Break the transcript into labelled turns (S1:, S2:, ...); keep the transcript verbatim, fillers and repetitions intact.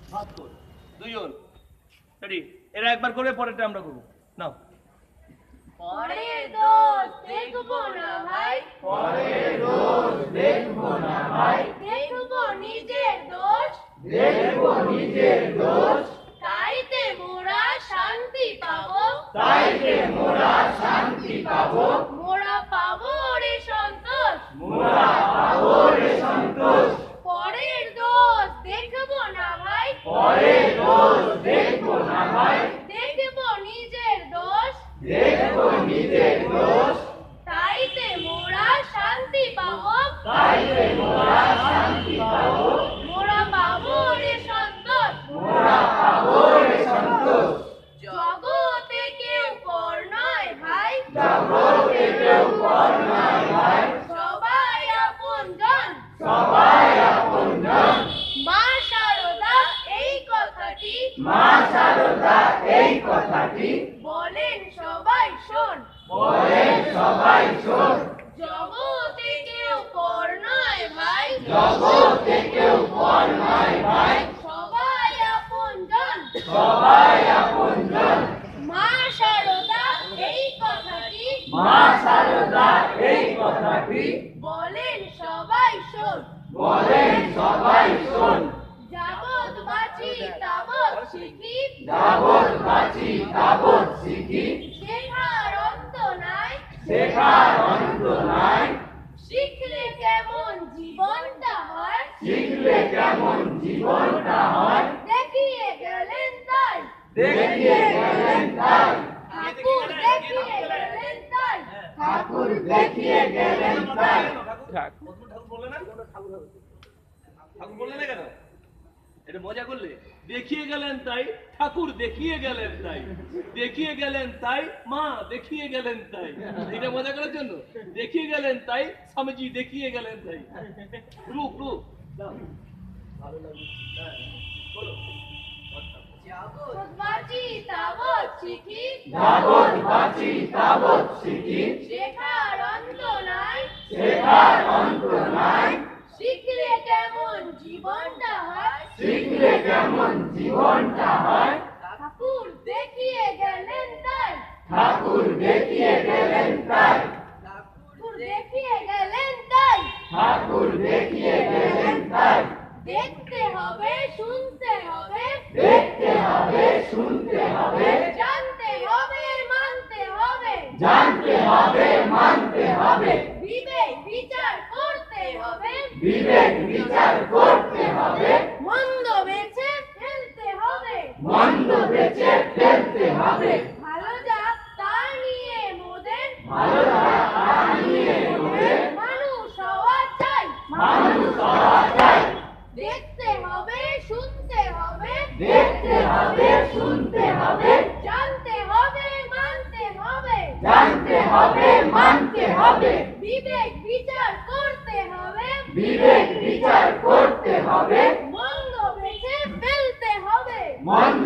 S1: বাহাত্তর। দুইজন রেডি? এরা একবার করবে, পরেরটা আমরা করবো। নাও।
S2: পরের দোষ দেখবো না ভাই,
S3: পরের দোষ দেখবো না ভাই,
S2: দেখবো নিজের দোষ,
S3: দেখবো নিজের দোষ,
S2: তাইতে মোরা শান্তি পাবো,
S3: তাইতে মোরা শান্তি পাবো,
S2: মোরা পাবো রে সন্তোষ,
S3: মোরা পাবো রে সন্তোষ।
S2: পরের দোষ দেখবো না ভাই,
S3: পরের দোষ দেখবো না ভাই,
S2: দেখবো নিজের দোষ,
S3: দেখবো নিজের দোষ,
S2: তাইতে মোরা শান্তি পাবো,
S3: তাইতে মোরা শান্তি পাবো,
S2: মোরা পাবো রে সন্তোষ,
S3: মোরা পাবো রে সন্তোষ।
S2: জগতে কেউ পর নয় ভাই,
S3: জগতে কেউ পর নয় ভাই,
S2: সবাই আপনজন,
S3: সবাই আপনজন।
S2: মা শারদা এই কথাটি
S3: মা শারদা এই কথাটি
S2: বলেন সবাই শোন,
S3: বলেন সবাই শোন।
S2: জগতে কেউ পর নয় ভাই,
S3: জগতে কেউ পর নয় ভাই,
S2: সবাই আপনজন,
S3: সবাই আপনজন।
S2: মা শারদা এই কথাটি
S3: মা শারদা এই কথাটি
S2: বলেন সবাই শোন,
S3: বলেন সবাই শোন।
S2: যাবৎ বাঁচি তাবৎ শিখি,
S3: যাবৎ বাঁচি তাবৎ শিখি,
S2: শেখার অন্ত নাই,
S3: শেখার অন্ত নাই।
S2: শিখলে কেমন জীবনটা হয়,
S3: শিখলে কেমন জীবনটা হয়,
S2: দেখিয়ে গেলেন তাই,
S3: দেখিয়ে গেলেন তাই।
S2: ঠাকুর দেখিয়ে গেলেন তাই,
S3: ঠাকুর দেখিয়ে গেলেন তাই।
S1: ঠাকুর বললে না? ঠাকুর বললে না কেন? এটা মজা করলে। দেখিয়ে গেলেন তাই, ঠাকুর দেখিয়ে গেলেন তাই, দেখিয়ে গেলেন তাই, মা দেখিয়ে গেলেন তাই। এটা মজা করার জন্য দেখিয়ে গেলেন তাই, স্বামীজি দেখিয়ে গেলেন তাই। রূপ রূপ দাও। ভালো লাগবে। হ্যাঁ, বলো।
S2: যাবৎ বাঁচি তাবৎ শিখি,
S3: যাবৎ বাঁচি তাবৎ শিখি,
S2: শেখার অন্ত নাই,
S3: শেখার অন্ত নাই।
S2: শিখলে কেমন জীবনটা হয়,
S3: শিখলে কেমন জীবনটা হয়,
S2: ঠাকুর দেখিয়ে গেলেন তাই,
S3: ঠাকুর দেখিয়ে গেলেন তাই।
S2: ঠাকুর দেখিয়ে গেলেন তাই।
S3: ঠাকুর দেখিয়ে গেলেন তাই।
S2: দেখতে হবে, শুনতে হবে,
S3: দেখতে হবে, শুনতে হবে,
S2: জানতে হবে, মানতে হবে,
S3: জানতে হবে, মানতে হবে,
S2: বিবেক বিচার করতে হবে,
S3: বিবেক বিচার করতে হবে,
S2: মন্দ বেছে ফেলতে হবে,
S3: মন্দ বেছে ফেলতে হবে।
S2: ভালো যাক তা নিয়ে মোদের,
S3: ভালো লাগা তা নিয়ে মোদের
S2: মানুষ হওয়া চাই,
S3: মানুষ হওয়া চাই।
S2: দেখতে হবে, শুনতে হবে,
S3: দেখতে হবে, শুনতে হবে,
S2: জানতে হবে, মানতে হবে,
S3: জানতে হবে, মানতে হবে,
S2: বিবেক বিচার করতে হবে,
S3: বিবেক বিচার করতে হবে,
S2: মন্দ বেছে ফেলতে হবে,
S3: মন্দ